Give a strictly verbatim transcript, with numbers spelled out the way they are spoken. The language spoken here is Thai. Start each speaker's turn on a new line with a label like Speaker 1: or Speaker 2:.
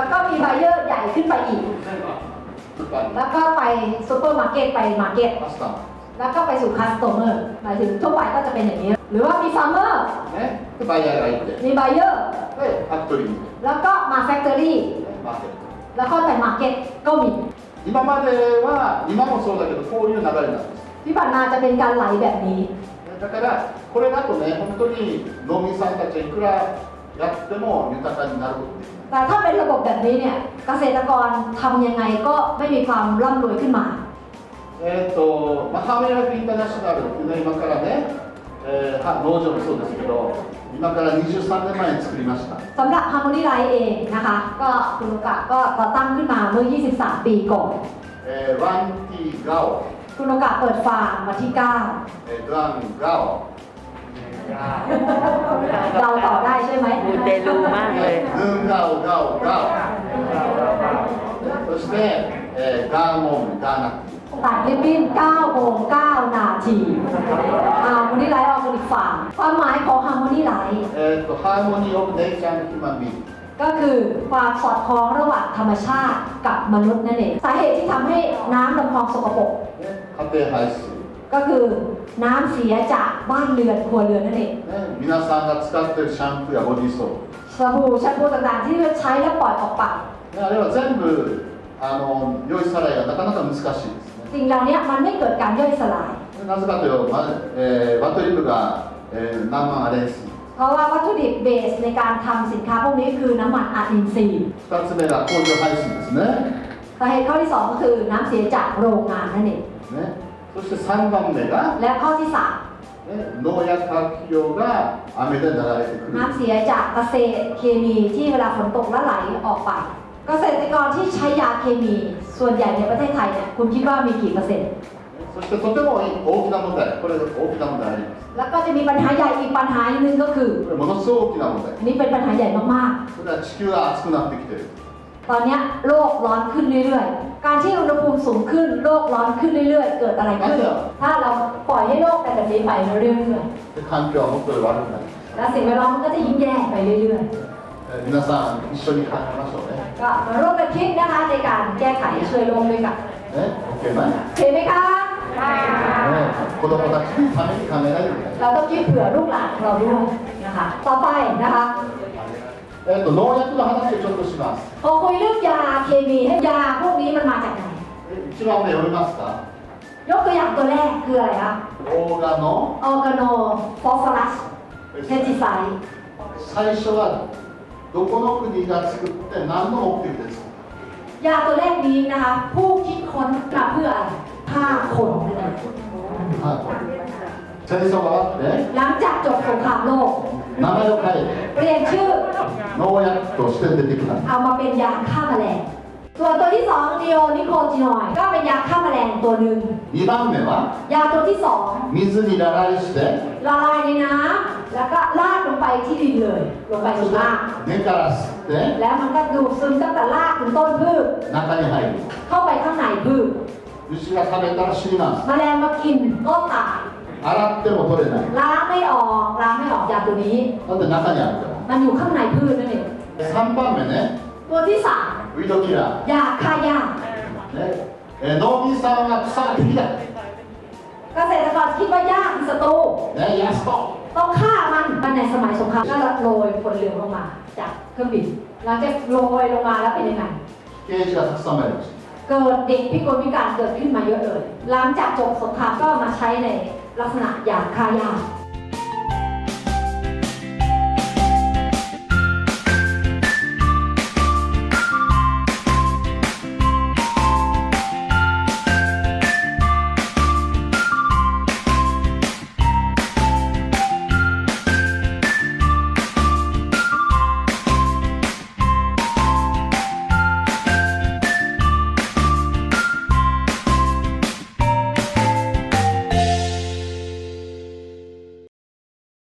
Speaker 1: แล้วก็มีไบเออร์ใหญ่ขึ้นไปอีกแล้วก็ไปซูเปอร์มาร์เก็ตไปมาร์เก็ตแล้วก็ไปสู่คัสโตเมอร์หมายถึงทั่วไปก็จะเป็นอย่างนี้หรือว่ามีฟาร์มเมอร์มีไบเออร์แล้วก็มาแฟคทอรี่แล้วก็ไปมาร์เก็ตก็มี
Speaker 2: 今までは今もそうだけどこういう流れなんです
Speaker 1: ที่ผ่านมาจะเป็นการไหลแบบนี้
Speaker 2: だからこれだとね本当に農民さんたちはいくらやっても豊かになることできない
Speaker 1: แต่ถ้าเป็นระบบแบบนี้เนี่ยเกษตรกรทำยังไงก็ไม่มีความร่ำรวยขึ้นมา
Speaker 2: えっとまあハーメライフインターナショナルっていうのは今からね、えー、農場もそうですけど今からにじゅうさんねんまえに作りました
Speaker 1: สำหรับ Harmony Life เองนะคะก็คุณลูกะก็ก่อตั้งขึ้นมาเมื่อยี่สิบสามปีก่อน
Speaker 2: เอ่อวันที่เก้า
Speaker 1: คุณลูกะเปิดฟาร์มวันที่เก้า
Speaker 2: เอ่อวันเก้า
Speaker 1: เราต่อได้ใช่ไหม
Speaker 3: มูเตลูมากเลย
Speaker 2: หนึ่งเก้าเก้าเก้าそして、えー、ガーモンガーナ
Speaker 1: ตัดริบบิ้นเก้าโมงเก้านาที Harmony Life Organic Farm ความหมายของ Harmony Life
Speaker 2: เอ่อ Harmony of Nature and Human Being
Speaker 1: ก็คือความสอดคล้องระหว่างธรรมชาติกับมนุษย์นั่นเองสาเหตุที่ทำให้น้ำลำคลองสกปรก
Speaker 2: 家庭排水
Speaker 1: ก็คือน้ำเสียจากบ้านเรือนครัวเรือนนั่นเอง
Speaker 2: 皆さんが使っているシャンプーやボディーソープ
Speaker 1: สบู่แชมพูต่างๆที่ใช้แล้วปล่อยออกไป
Speaker 2: あれは全部あの良いさらいがなかなか難しいですね
Speaker 1: สิ่งเหล่านี้มันไม่เกิดการย่อยสลาย
Speaker 2: なぜかというと、えー、バトリブが、えー、何万アレンス
Speaker 1: เพราะว่าวัตถุดิบเบสในการทำสินค้าพวกนี้คือน้ำมันอะอินทรีย์
Speaker 2: ふたつめが工場排水ですね
Speaker 1: สาเหตุข้อที่สองก็คือน้ำเสียจากโรงงานนั่นเอง
Speaker 2: ねそしてさんばんめが
Speaker 1: และข้อที่สาม
Speaker 2: 農薬化肥料が雨で流れてくる
Speaker 1: น้ำเสียจากเกษตรเคมีที่เวลาฝนตกแล้วไหลออกไปเกษตรกรที่ใช้ยาเคมีส่วนใหญ่ในประเทศไทยเนี่ยคุณคิดว่ามีกี่เปอร์เซ็นต์
Speaker 2: そしてとても大きな問題これ大きな問題あります
Speaker 1: แล้วก็จะมีปัญหาใหญ่อีกปัญหาหนึ่งก็คือ
Speaker 2: これものすごく大きな問題
Speaker 1: อันนี้เป็นปัญหาใหญ่มาก
Speaker 2: ๆそれは地球が熱くなってきている
Speaker 1: ตอนนี้โลกร้อนขึ้นเรื่อยๆการที่อุณหภูมิสูงขึ้นโลกร้อนขึ้นเรื่อยๆเกิดอะไรขึ้นถ้าเราปล่อยให้โลกเป็นแบบนี้ไปเรื่อย
Speaker 2: ๆ環境はもっと悪くなる
Speaker 1: และสิ่งแวดล้อมมันก็จะยิ่งแย่ไปเรื่อย
Speaker 2: ๆ皆さん一緒に考えましょうね
Speaker 1: ก็มาร่วมกันคิดนะคะในการแก้ไขช่วยโลกด้วยกัน
Speaker 2: ね OK ไหม
Speaker 1: เห็นไหมคะ
Speaker 2: 子供たちのために考えないといけない
Speaker 1: เราต้องคิดเผื่อลูกหลานเราด้วยนะคะต่อไปนะคะ
Speaker 2: えっと農薬の話をちょっとします
Speaker 1: พอคุยเรื่องยาเคมียาพวกนี้มันมาจากไหน
Speaker 2: 一番目読みますか
Speaker 1: ยกตัวอย่างตัวแรกคืออะไรคะ
Speaker 2: オーガノ
Speaker 1: ออร์แกโนฟอสฟอรัสเพสติไซด์
Speaker 2: 最初はどこの国が作って何の目的ですか
Speaker 1: ยาตัวแรกนี้นะคะผู้คิดค้นมาเพื่ออะไรฆ่าคนนั่นเอง
Speaker 2: 戦争が終わって
Speaker 1: หลังจากจบสงครามโลก
Speaker 2: 名前を変え
Speaker 1: เปลี่ยนชื่อ
Speaker 2: 農薬として出てきた
Speaker 1: เอามาเป็นยาฆ่าแมลงส่วนตัวที่สองนีโอนิโคตินอยด์ก็เป็นยาฆ่าแมลงตัวหนึ่ง
Speaker 2: にばんめはい
Speaker 1: าตัวที่สอง
Speaker 2: 水にละลายして
Speaker 1: ละลายในน้ำแล้วก็ลาดลงไปที่ดินเลยลงไปถึงราก
Speaker 2: 根から吸って
Speaker 1: แล้วมันก็ดูดซึมตั้งแต่รากถึงต้นพืช
Speaker 2: 中に入る
Speaker 1: เข้าไปข้างในพืช
Speaker 2: 牛が食べたら死にます
Speaker 1: แมลงมากินก็ตาย
Speaker 2: 洗っても取れない
Speaker 1: ล้างไม่ออกล้างไม่ออกยาตัวนี้
Speaker 2: だって中にあるから
Speaker 1: มันอยู่ข้างในพืชนั่นเอง
Speaker 2: さんばんめね
Speaker 1: ตัวที่สาม
Speaker 2: ウィードキラー
Speaker 1: ยาฆ่าหญ้า
Speaker 2: ねえ農民さんは草が敵だ
Speaker 1: เกษตรกรคิดว่าหญ้าคือศัตรู
Speaker 2: ねヤスト
Speaker 1: ต้องฆ่ามันในสมัยสงครามก็โรยฝนเหลืองลงมาจากเครื่องบินหลังจากโรยลงมาแล้วเป็นยังไง
Speaker 2: 刑事がたくさん参りました
Speaker 1: เกิดเด็กพิกลพิการเกิดขึ้นมาเยอะเลยหลังจากจบสงครามก็มาใช้ในลักษณะยาฆ่าหญ้า